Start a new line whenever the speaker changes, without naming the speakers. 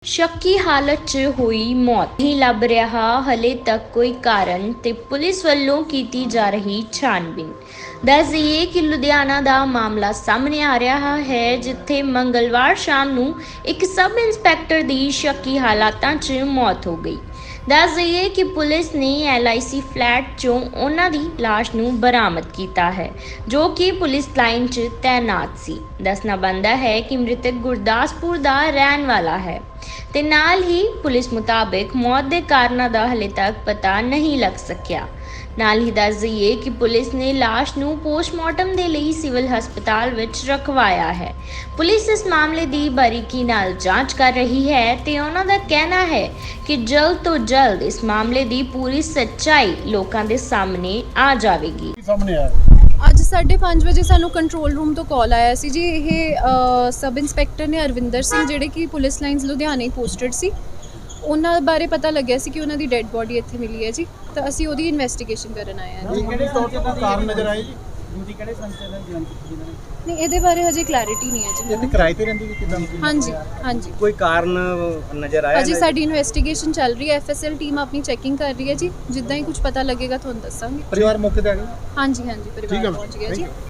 शक्की हालत च हुई मौत नहीं लभ रहा हले तक कोई कारण ते पुलिस ਵੱਲੋਂ ਕੀਤੀ ਜਾ ਰਹੀ ਛਾਣਬੀਨ। ਦੱਸ ਦਈਏ ਕਿ ਲੁਧਿਆਣਾ ਦਾ ਮਾਮਲਾ ਸਾਹਮਣੇ ਆ ਰਿਹਾ ਹੈ ਜਿੱਥੇ ਮੰਗਲਵਾਰ ਸ਼ਾਮ ਨੂੰ ਇੱਕ ਸਬ ਇੰਸਪੈਕਟਰ ਦੀ ਸ਼ੱਕੀ ਹਾਲਾਤਾਂ 'ਚ ਮੌਤ ਹੋ ਗਈ। ਦੱਸ ਦਈਏ ਕਿ ਪੁਲਿਸ ਨੇ LIC ਫਲੈਟ 'ਚੋਂ ਉਹਨਾਂ ਦੀ ਲਾਸ਼ ਨੂੰ ਬਰਾਮਦ ਕੀਤਾ ਹੈ ਜੋ ਕਿ ਪੁਲਿਸ ਲਾਈਨ 'ਚ ਤੈਨਾਤ ਸੀ। ਦੱਸਣਾ ਬਣਦਾ ਹੈ ਕਿ ਮ੍ਰਿਤਕ ਗੁਰਦਾਸਪੁਰ ਦਾ ਰਹਿਣ ਵਾਲਾ ਹੈ ਤੇ ਨਾਲ ਹੀ ਪੁਲਿਸ ਮੁਤਾਬਕ ਮੌਤ ਦੇ ਕਾਰਨਾਂ ਦਾ ਹਲੇ ਤੱਕ ਪਤਾ ਨਹੀਂ ਲੱਗ ਸਕਿਆ। ਨਾਲ ਹੀ ਦੱਸ ਦਈਏ ਕਿ ਪੁਲਿਸ ਨੇ ਲਾਸ਼ ਨੂੰ ਪੋਸਟਮਾਰਟਮ ਦੇ ਲਈ ਸਿਵਲ ਹਸਪਤਾਲ ਵਿੱਚ ਰਖਵਾਇਆ ਹੈ। ਪੁਲਿਸ ਇਸ ਮਾਮਲੇ ਦੀ ਬਾਰੀਕੀ ਨਾਲ ਜਾਂਚ ਕਰ ਰਹੀ ਹੈ ਤੇ ਉਹਨਾਂ ਦਾ ਕਹਿਣਾ ਹੈ ਕਿ ਜਲਦ ਤੋਂ ਜਲਦ ਇਸ ਮਾਮਲੇ ਦੀ ਪੂਰੀ ਸੱਚਾਈ ਲੋਕਾਂ ਦੇ ਸਾਹਮਣੇ ਆ ਜਾਵੇਗੀ।
ਅੱਜ 5:30 ਵਜੇ ਸਾਨੂੰ ਕੰਟਰੋਲ ਰੂਮ ਤੋਂ ਕਾਲ ਆਇਆ ਸੀ ਜੀ। ਇਹ ਸਬ ਇੰਸਪੈਕਟਰ ਨੇ ਅਰਵਿੰਦਰ ਸਿੰਘ ਜਿਹੜੇ ਕਿ ਪੁਲਿਸ ਲਾਈਨਸ ਲੁਧਿਆਣੇ ਪੋਸਟਡ ਸੀ, ਉਹਨਾਂ ਬਾਰੇ ਪਤਾ ਲੱਗਿਆ ਸੀ ਕਿ ਉਹਨਾਂ ਦੀ ਡੈੱਡ ਬੋਡੀ ਇੱਥੇ ਮਿਲੀ ਹੈ ਜੀ। ਤਾਂ ਅਸੀਂ ਉਹਦੀ ਇਨਵੈਸਟੀਗੇਸ਼ਨ ਕਰਨ ਆਏ ਹਾਂ ਜੀ।
ਕਿਹੜੇ ਤੌਰ ਤੇ ਕੋਈ ਕਾਰਨ ਨਜ਼ਰ ਆਏ ਜੀ? ਡਿਊਟੀ ਕਿਹੜੇ ਸੰਸਥਾ ਨਾਲ ਜੁਆਇਨ ਕੀਤੀ ਇਹਨਾਂ ਨੇ?
ਨਹੀਂ, ਇਹਦੇ ਬਾਰੇ ਹਜੇ ਕਲੈਰਿਟੀ ਨਹੀਂ ਹੈ ਜੀ।
ਇਹ ਕਿਰਾਏ ਤੇ ਰਹਿੰਦੀ ਕਿ ਕਿਦਾਂ?
ਹਾਂਜੀ
ਕੋਈ ਕਾਰਨ ਨਜ਼ਰ ਆਇਆ?
ਅਜੇ ਸਾਡੀ ਇਨਵੈਸਟੀਗੇਸ਼ਨ ਚੱਲ ਰਹੀ ਹੈ। FSL ਟੀਮ ਆਪਣੀ ਚੈਕਿੰਗ ਕਰ ਰਹੀ ਹੈ ਜੀ। ਜਿੱਦਾਂ ਹੀ ਕੁਝ ਪਤਾ ਲੱਗੇਗਾ ਤੁਹਾਨੂੰ ਦੱਸਾਂਗੇ।
ਪਰਿਵਾਰ ਮੌਕੇ ਤੇ ਆ ਗਿਆ?
ਹਾਂਜੀ ਪਰਿਵਾਰ ਪਹੁੰਚ ਗਿਆ ਜੀ।